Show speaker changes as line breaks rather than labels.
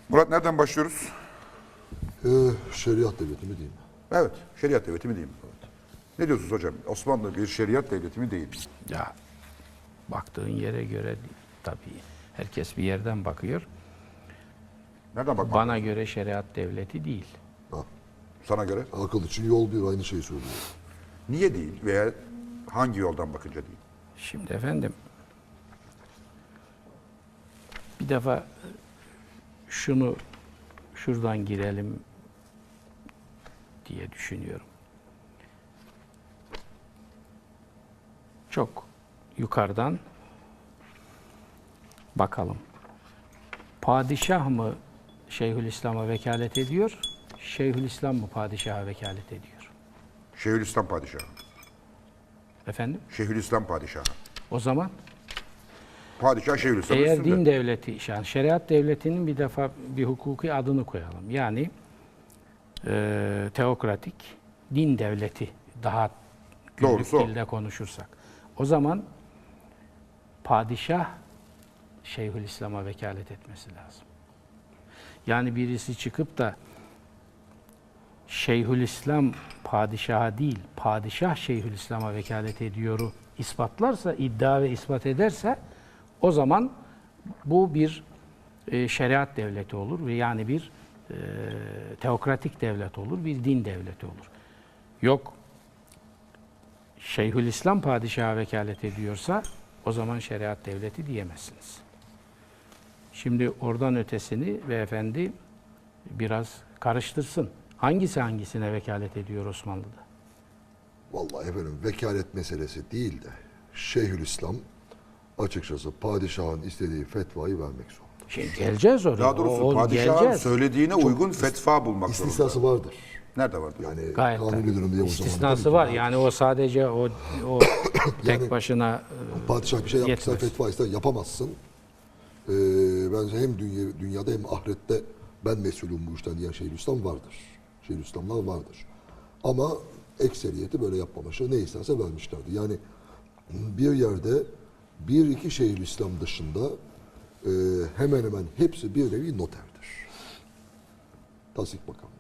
Murat nereden başlıyoruz?
Şeriat devleti mi diyeyim?
Evet, şeriat devleti mi diyeyim? Ne diyorsunuz hocam? Osmanlı bir şeriat devleti mi değil?
Ya baktığın yere göre tabii herkes bir yerden bakıyor.
Nereden bakmak
Bana
lazım?
göre şeriat devleti değil.
Ha,
Sana göre?
akıl için yol bir, aynı şeyi söylüyor.
Niye değil veya hangi yoldan bakınca değil?
Şimdi efendim bir defa şunu şuradan girelim diye düşünüyorum. Çok yukarıdan bakalım. Padişah mı Şeyhülislam'a vekalet ediyor? Şeyhülislam mı padişaha vekalet ediyor?
Şeyhülislam padişahı.
Efendim?
Şeyhülislam padişahı.
O zaman
Padişah Şeyhülislam
eğer
üstünde.
din devleti, yani şeriat devletinin bir defa bir hukuki adını koyalım. Yani teokratik din devleti daha günlük
Doğrusu o.
dilde konuşursak. O zaman padişah Şeyhülislam'a vekalet etmesi lazım. Yani birisi çıkıp da Şeyhülislam padişaha değil, padişah Şeyhülislam'a vekalet ediyoru ispatlarsa, iddia ve ispat ederse o zaman bu bir şeriat devleti olur ve yani bir teokratik devlet olur, bir din devleti olur. Yok, Şeyhülislam padişaha vekalet ediyorsa o zaman şeriat devleti diyemezsiniz. Şimdi oradan ötesini beyefendi biraz karıştırsın. Hangisi hangisine vekalet ediyor Osmanlı'da?
Vallahi efendim vekalet meselesi değil de Şeyhülislam açıkçası padişahın istediği fetvayı vermek zorunda.
Şimdi geleceğiz oraya.
Daha doğrusu
O
padişahın
geleceğiz.
söylediğine uygun fetva bulmak zorunda.
İstisnası vardır.
Nerede vardı?
Yani
Gayet
kanuni
tabii.
durumda o zaman.
İstisnası var. Yani o sadece o tek başına
Padişah bir şey yapmışsa
yetmez.
fetva ister yapamazsın. Bence hem dünyada hem ahirette ben mesulüm bu işten diyen Şeyhülislam vardır. Şeyhülislamlar vardır. Ama ekseriyeti böyle yapmamışlar. Ne isterse vermişlerdi. Yani bir yerde bir iki Şeyhülislam dışında hemen hemen hepsi bir nevi noterdir. Tasdik makamı.